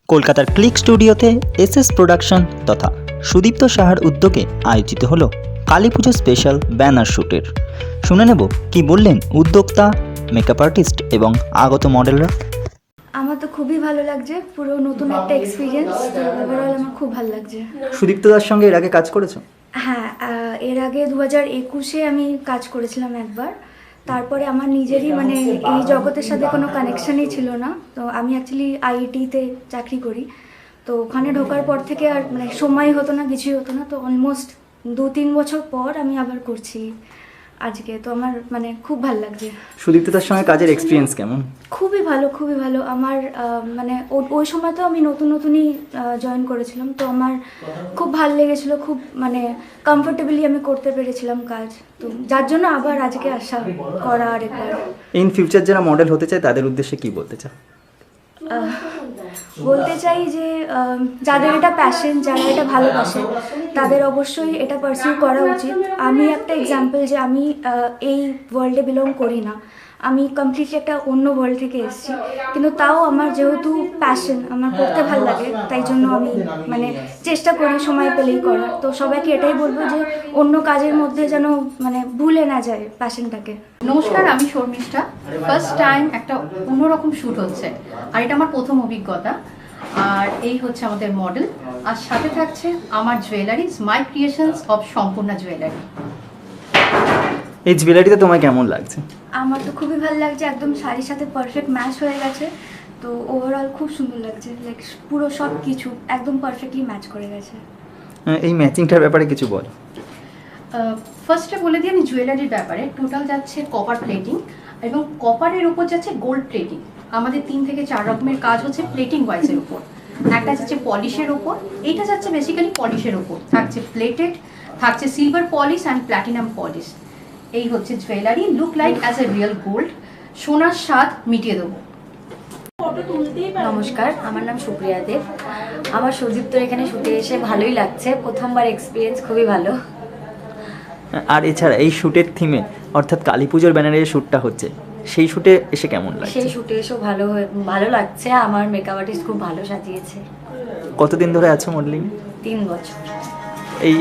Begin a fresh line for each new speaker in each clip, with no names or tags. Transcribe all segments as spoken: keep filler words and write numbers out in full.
কলকাতার ক্লিক স্টুডিওতে S S production তথা সুদীপ্ত সাহার উদ্যোগে আয়োজিত হলো কালী পুজো স্পেশাল ব্যানার শ্যুটের। শুনে নেব কি বললেন উদ্যোক্তা, মেকআপ আর্টিস্ট এবং আগত মডেলরা।
আমার তো খুবই ভালো লাগছে, পুরো নতুন একটা এক্সপিরিয়েন্স। তো ওভারঅল আমার খুব ভালো লাগছে।
সুদীপ্ত দার সঙ্গে এর আগে কাজ করেছো?
হ্যাঁ, আহ, এর আগে দু হাজার একুশে আমি কাজ করেছিলাম একবার। তারপরে আমার নিজেরই মানে এই জগতের সাথে কোনো কানেকশানই ছিল না। তো আমি অ্যাকচুয়ালি আইআইটিতে চাকরি করি, তো ওখানে ঢোকার পর থেকে আর মানে সময় হতো না, কিছুই হতো না। তো অলমোস্ট দু তিন বছর পর আমি আবার করছি আজকে। তো আমার মানে খুব ভালো লাগছে।
সুদীপ্ত দার সঙ্গে কাজের এক্সপিরিয়েন্স কেমন?
খুবই ভালো, খুবই ভালো। আমার মানে ওই সময় তো আমি নতুন নতুনই জয়েন করেছিলাম, তো আমার খুব ভালো লেগেছিলো, খুব মানে কমফোর্টেবলি আমি করতে পেরেছিলাম কাজ। তো যার জন্য আবার আজকে আসা করা আর একবার।
ইন ফিউচার যারা মডেল হতে চায় তাদের উদ্দেশ্যে কি বলতে চাও?
বলতে চাই যে যাদের এটা প্যাশন, যারা এটা ভালোবাসে, তাদের অবশ্যই এটা পারসিউ করা উচিত। আমি একটা এক্সাম্পল যে আমি এই ওয়ার্ল্ডে বিলং করি না, আমি কমপ্লিটলি একটা অন্য ওয়ার্ল্ড থেকে এসেছি, কিন্তু তাও আমার যেহেতু প্যাশন, আমার করতে ভালো লাগে, তাই জন্য আমি মানে চেষ্টা করি সময় পেলেই করার। তো সবাইকে এটাই বলবো যে অন্য কাজের মধ্যে যেন মানে ভুলে না যায় প্যাশনটাকে।
নমস্কার, আমি শর্মিষ্ঠা। ফার্স্ট টাইম একটা অন্যরকম শ্যুট হচ্ছে, আর এটা আমার প্রথম অভিজ্ঞতা। আর এই হচ্ছে আমাদের মডেল, আর সাথে থাকছে আমার jewellery, my creations of Sampurna jewellery.
এই জুয়েলারিতে তোমায় কেমন লাগছে?
আমার তো খুবই ভালো লাগছে, একদম শাড়ির সাথে পারফেক্ট ম্যাচ হয়ে গেছে। তো ওভারঅল খুব সুন্দর লাগছে, লাইক পুরো সব কিছু একদম পারফেক্টলি ম্যাচ করে গেছে।
এই ম্যাচিংটার ব্যাপারে কিছু বল।
ফার্স্টে বলে দিই আমি জুয়েলারির ব্যাপারে। টোটাল যাচ্ছে কপার প্লেটিং, এবং কপারের উপর যাচ্ছে গোল্ড প্লেটিং। আমাদের তিন থেকে চার রকমের কাজ হচ্ছে প্লেটিং ওয়াইজের উপর। একটা যাচ্ছে পলিশের ওপর, এইটা যাচ্ছে বেসিক্যালি পলিশের ওপর, থাকছে প্লেটেড, থাকছে silver polish and platinum polish. এই হচ্ছে jewellery, look like as a real gold, সোনার স্বাদ মিটিয়ে দেবো।
নমস্কার, আমার নাম সুপ্রিয়া দেব। আমার সুদীপ্তর এখানে শুটে এসে ভালোই লাগছে, প্রথমবার এক্সপিরিয়েন্স খুবই ভালো।
আর এছাড়া এই শ্যুটের থিমে অর্থাৎ কালী পুজোর ব্যানারে যে শ্যুটটা হচ্ছে, সেই শ্যুটে এসে কেমন লাগছে?
সেই শুটে এসেও ভালো হয়ে- ভালো লাগছে। আমার মেকআপ আর্টিস্ট খুব ভালো সাজিয়েছে।
কতদিন ধরে আছো মডেলিং?
তিন বছর।
এই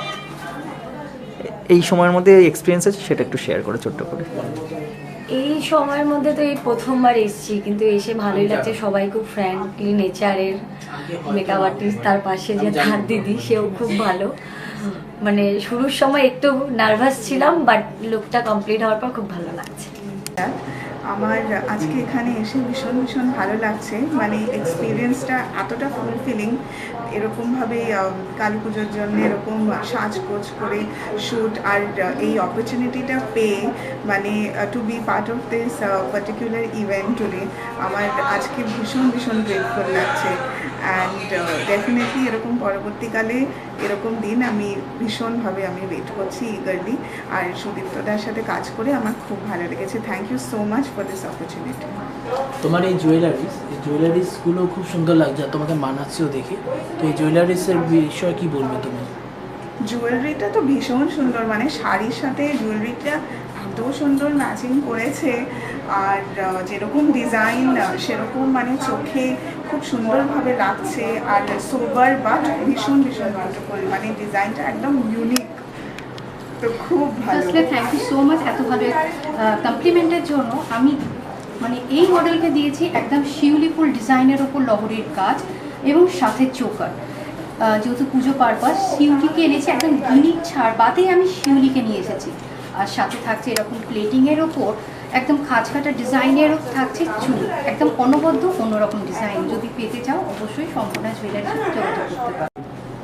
এই সময়ের মধ্যে এক্সপিরিয়েন্স আছে, সেটা একটু শেয়ার করো ছোট্ট করে।
এই সময়ের মধ্যে তো এই প্রথমবার এসেছি, কিন্তু এসে ভালোই লাগছে। সবাই খুব ফ্র্যাঙ্কলি নেচারের। মেকআপ আর্টিস্ট, তার পাশে যে তার দিদি, সেও খুব ভালো। মানে শুরুর সময় একটু নার্ভাস ছিলাম, বাট লুকটা কমপ্লিট হওয়ার পর খুব ভালো লাগছে।
আমার আজকে এখানে এসে ভীষণ ভীষণ ভালো লাগছে। মানে এক্সপিরিয়েন্সটা এতটা ফুলফিলিং, এরকমভাবে কালী পুজোর জন্য এরকম সাজগোজ করে শ্যুট, আর এই অপরচুনিটিটা পেয়ে মানে to be part of this particular event today, আমার আজকে ভীষণ ভীষণ গ্রেটফুল লাগছে। অ্যান্ড ডেফিনেটলি এরকম পরবর্তীকালে এরকম দিন আমি ভীষণভাবে আমি ওয়েট করছি ইগারলি। আর সুদীপ্তদার সাথে কাজ করে আমার খুব ভালো লেগেছে। Thank you so much for this opportunity.
তোমার এই জুয়েলারিস এই জুয়েলারিসগুলো খুব সুন্দর লাগছে, আর তোমাকে মানাচ্ছেও দেখে। তো এই জুয়েলারিসের বিষয়ে কি বলবে তুমি?
জুয়েলারিটা তো ভীষণ সুন্দর, মানে শাড়ির সাথে জুয়েলারিটা এত সুন্দর ম্যাচিং করেছে। আর যেরকম ডিজাইন সেরকম মানে চোখে খুব সুন্দরভাবে লাগছে। আর সোবার বাট ভীষণ ভীষণ বিউটিফুল, মানে ডিজাইনটা একদম ইউনিক। তো খুব ভালো।
Firstly thank you so much এত ভালো কমপ্লিমেন্টের জন্য। আমি মানে এই মডেলকে দিয়েছি একদম শিউলি ফুল ডিজাইনের ওপর লহরির কাজ এবং সাথে চোকার। যেহেতু পুজো পারপাস, শিউলিকে এনেছি একদম ইউনিক ছাড় বাদেই আমি শিউলিকে নিয়ে এসেছি। আর সাথে থাকছে এরকম প্লেটিংয়ের ওপর একদম খাঁজ কাটা ডিজাইনেরও থাকছে চুল, একদম অনবদ্য অন্যরকম ডিজাইন। যদি পেতে চাও অবশ্যই সম্পূর্ণ জুয়েলারি যোগাযোগ করতে পারো।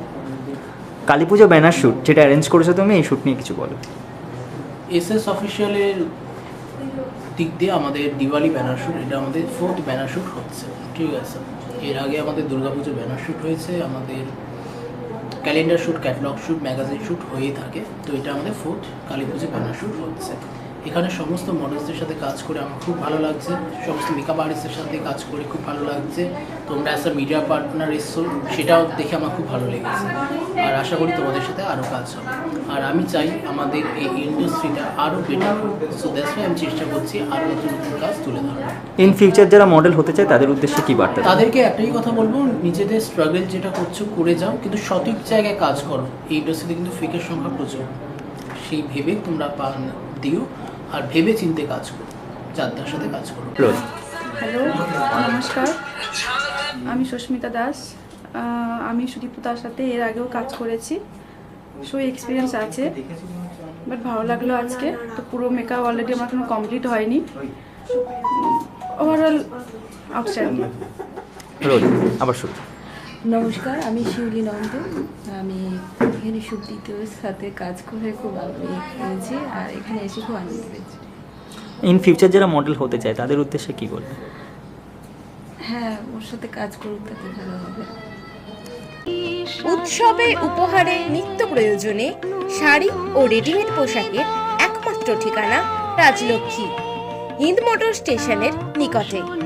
কালী পুজো ব্যানার শ্যুট যেটা অ্যারেঞ্জ করেছো তুমি, এই শ্যুট নিয়ে কিছু বলো।
এস এস অফিসিয়ালের দিক দিয়ে আমাদের দিওয়ালি ব্যানার শ্যুট, এটা আমাদের ফোর্থ ব্যানার শ্যুট হচ্ছে, ঠিক আছে। এর আগে আমাদের দুর্গাপুজো ব্যানার শ্যুট হয়েছে, আমাদের calendar shoot, catalogue shoot, magazine shoot হয়েই থাকে। তো এটা আমাদের ফোর্থ কালী পুজো ব্যানার শ্যুট হচ্ছে। এখানে সমস্ত মডেলসদের সাথে কাজ করে আমার খুব ভালো লাগছে, সমস্ত মেকআপ আর্টিস্টের সাথে কাজ করে খুব ভালো লাগছে। তোমরা অ্যাজ আ মিডিয়া পার্টনার এসছো, সেটাও দেখে আমার খুব ভালো লেগেছে। আর আশা করি তোমাদের সাথে আরও কাজ হবে। আর আমি চাই আমাদের এই ইন্ডাস্ট্রিটা আরও বেটার হোক। সো দ্যাটস ওয়াই আমি চেষ্টা করছি আরও নতুন নতুন কাজ তুলে ধরার।
ইন ফিউচার যারা মডেল হতে চায় তাদের উদ্দেশ্যে কি বার্তা?
তাদেরকে একটাই কথা বলবো, নিজেদের স্ট্রাগল যেটা করছো করে যাও, কিন্তু সঠিক জায়গায় কাজ করো। এই ইন্ডাস্ট্রিতে কিন্তু ফেকের সংখ্যা প্রচুর, সেই ভেবে তোমরা পান দিও আর ভেবে চিনতে কাজ করো, যাত্রার সাথে কাজ করো।
হ্যালো, নমস্কার, আমি সুস্মিতা দাস। আহ, আমি সুদীপ্তার সাথে এর আগেও কাজ করেছি, সো এক্সপিরিয়েন্স আছে, বাট ভালো লাগলো আজকে। তো পুরো মেকআপ অলরেডি আমার কোনো কমপ্লিট হয়নি, ওভারঅল আউটস্ট্যান্ডিং।
রোজ আবার শুরু।
নমস্কার, আমি শিউলি নন্দ। আমি এখানে সুদীপ্তর সাথে কাজ করে খুব আগ্রহী হয়েছি আর এখানে এসে খুব আনন্দ পেয়েছি।
ইন ফিউচার যারা মডেল হতে চায় তাদের উদ্দেশ্যে কি বলবে?
হ্যাঁ, ওর সাথে কাজ করুক, তাতে ভালো হবে।
উৎসবে, উপহারে, নিত্য প্রয়োজনে শাড়ি ও রেডিমেড পোশাকের একমাত্র ঠিকানা রাজলক্ষ্মী, হিন্দ মোটর স্টেশনের নিকটে।